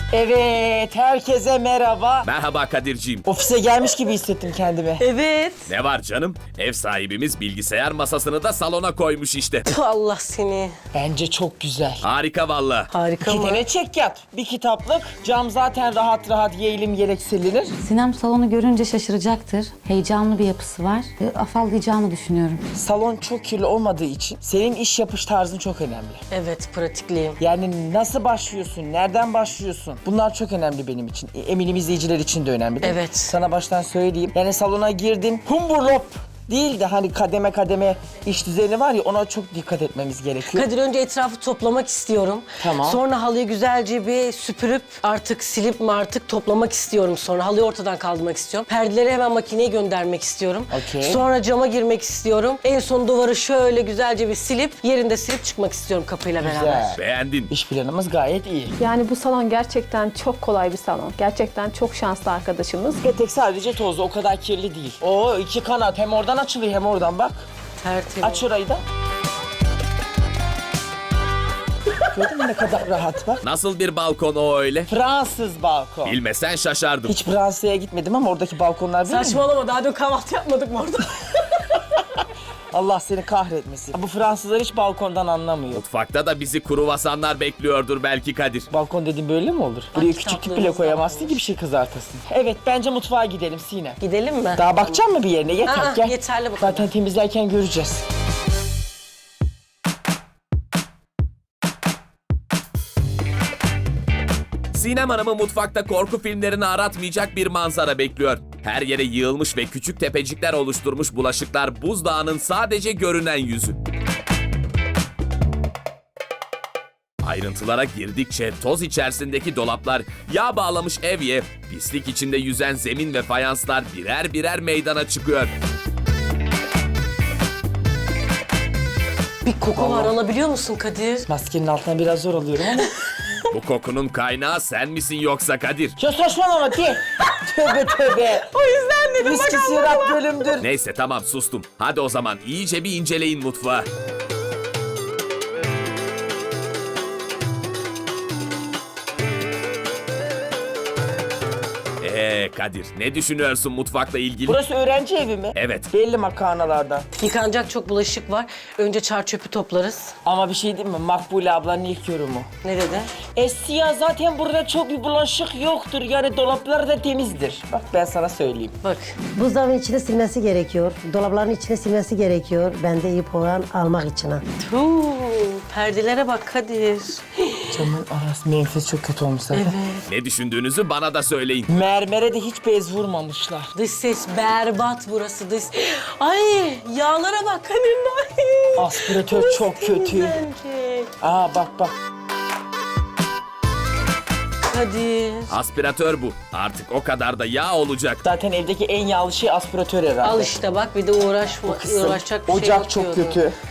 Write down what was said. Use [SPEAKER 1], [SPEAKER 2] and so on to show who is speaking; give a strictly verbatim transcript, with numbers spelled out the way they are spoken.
[SPEAKER 1] Evet, herkese merhaba.
[SPEAKER 2] Merhaba Kadirciğim.
[SPEAKER 1] Ofise gelmiş gibi hissettim kendimi.
[SPEAKER 3] Evet.
[SPEAKER 2] Ne var canım? Ev sahibimiz bilgisayar masasını da salona koymuş işte.
[SPEAKER 3] Tüh, Allah seni.
[SPEAKER 1] Bence çok güzel.
[SPEAKER 2] Harika valla.
[SPEAKER 3] Harika
[SPEAKER 1] İki
[SPEAKER 3] mı?
[SPEAKER 1] tane çek yat. Bir kitaplık. Cam zaten rahat rahat yeğilim yelek silinir.
[SPEAKER 4] Sinem salonu görünce şaşıracaktır. Heyecanlı bir yapısı var. E, afallayacağını düşünüyorum.
[SPEAKER 1] Salon çok kirli olmadığı için senin iş yapış tarzın çok önemli.
[SPEAKER 3] Evet, pratikliyim.
[SPEAKER 1] Yani nasıl başlıyorsun, nereden başlıyorsun? Bunlar çok önemli benim için. E, Eminim izleyiciler için de önemli değil mi?
[SPEAKER 3] Evet.
[SPEAKER 1] Sana baştan söyleyeyim. Yani salona girdin, humburlop değil de hani kademe kademe iş düzeni var ya, ona çok dikkat etmemiz gerekiyor.
[SPEAKER 3] Kadir, önce etrafı toplamak istiyorum.
[SPEAKER 1] Tamam.
[SPEAKER 3] Sonra halıyı güzelce bir süpürüp artık silip mi artık toplamak istiyorum sonra. Halıyı ortadan kaldırmak istiyorum. Perdeleri hemen makineye göndermek istiyorum.
[SPEAKER 1] Okey.
[SPEAKER 3] Sonra cama girmek istiyorum. En son duvarı şöyle güzelce bir silip yerinde silip çıkmak istiyorum kapıyla beraber.
[SPEAKER 1] Güzel.
[SPEAKER 2] Beğendin.
[SPEAKER 1] İş planımız gayet iyi.
[SPEAKER 5] Yani bu salon gerçekten çok kolay bir salon. Gerçekten çok şanslı arkadaşımız.
[SPEAKER 1] Petek sadece tozlu, o kadar kirli değil. Oo, iki kanat hem oradan açılıyor hem oradan, bak.
[SPEAKER 3] Tertemiz.
[SPEAKER 1] Aç orayı da. Gördün mü ne kadar rahat, bak.
[SPEAKER 2] Nasıl bir balkon o öyle?
[SPEAKER 1] Fransız balkon.
[SPEAKER 2] Bilmesen şaşardım.
[SPEAKER 1] Hiç Fransa'ya gitmedim ama oradaki balkonlar biliyor musun?
[SPEAKER 3] Saçmalama, daha dün kahvaltı yapmadık mı orada?
[SPEAKER 1] Allah seni kahretmesin. Bu Fransızlar hiç balkondan anlamıyor.
[SPEAKER 2] Mutfakta da bizi kruvasanlar bekliyordur belki Kadir.
[SPEAKER 1] Balkon dediğin böyle mi olur? Buraya küçük tüp bile
[SPEAKER 3] kitaplığımız da
[SPEAKER 1] koyamazsın
[SPEAKER 3] varmış.
[SPEAKER 1] ki bir şey kızartasın. Evet, bence mutfağa gidelim Sinem.
[SPEAKER 3] Gidelim mi?
[SPEAKER 1] Daha bakacak mı bir yerine? Yeter,
[SPEAKER 3] Aa,
[SPEAKER 1] gel.
[SPEAKER 3] yeterli bu kadar.
[SPEAKER 1] Zaten temizlerken göreceğiz.
[SPEAKER 2] Sinem Hanım'ı mutfakta korku filmlerini aratmayacak bir manzara bekliyor. Her yere yığılmış ve küçük tepecikler oluşturmuş bulaşıklar buzdağının sadece görünen yüzü. Ayrıntılara girdikçe toz içerisindeki dolaplar, yağ bağlamış evye, pislik içinde yüzen zemin ve fayanslar birer birer meydana çıkıyor.
[SPEAKER 3] Bir koku var, alabiliyor musun Kadir?
[SPEAKER 1] Maskenin altına biraz zor alıyorum ama.
[SPEAKER 2] Bu kokunun kaynağı sen misin yoksa Kadir?
[SPEAKER 1] Ya saçmalama de. Tövbe tövbe.
[SPEAKER 3] O yüzden dedim
[SPEAKER 1] Viski sirat bölümdür.
[SPEAKER 2] Neyse tamam sustum. Hadi o zaman iyice bir inceleyin mutfağı. Ee Kadir, ne düşünüyorsun mutfakla ilgili?
[SPEAKER 1] Burası öğrenci evi mi?
[SPEAKER 2] Evet.
[SPEAKER 1] Belli makarnalardan.
[SPEAKER 3] Yıkanacak çok bulaşık var. Önce çar çöpü toplarız.
[SPEAKER 1] Ama bir şey diyeyim mi? Makbule ablanın ilk yorumu.
[SPEAKER 3] Ne dedi?
[SPEAKER 1] Esya zaten burada çok bir bulaşık yoktur. Yani dolaplar da temizdir. Bak ben sana söyleyeyim.
[SPEAKER 3] Bak.
[SPEAKER 6] Buzdolabının içine silmesi gerekiyor. Dolapların içine silmesi gerekiyor. Ben de iyi puan almak için. ha.
[SPEAKER 3] Tuu, perdelere bak Kadir.
[SPEAKER 1] Camın arası menfez çok kötü olmuş zaten.
[SPEAKER 2] Ne düşündüğünüzü bana da söyleyin.
[SPEAKER 1] Mermere de hiç bez vurmamışlar.
[SPEAKER 3] Dış ses berbat burası dış. Ay, yağlara bak Kadir. Ay.
[SPEAKER 1] Aspiratör çok kötü.
[SPEAKER 3] Temizlenecek.
[SPEAKER 1] Aa bak bak.
[SPEAKER 3] Kadir.
[SPEAKER 2] Aspiratör bu. Artık o kadar da yağ olacak.
[SPEAKER 1] Zaten evdeki en yağlı şey aspiratör herhalde.
[SPEAKER 3] Al işte bak, bir de uğraşma,
[SPEAKER 1] Kısım.
[SPEAKER 3] uğraşacak bir şey
[SPEAKER 1] Ocak
[SPEAKER 3] yok
[SPEAKER 1] çok
[SPEAKER 3] diyordu.
[SPEAKER 1] kötü.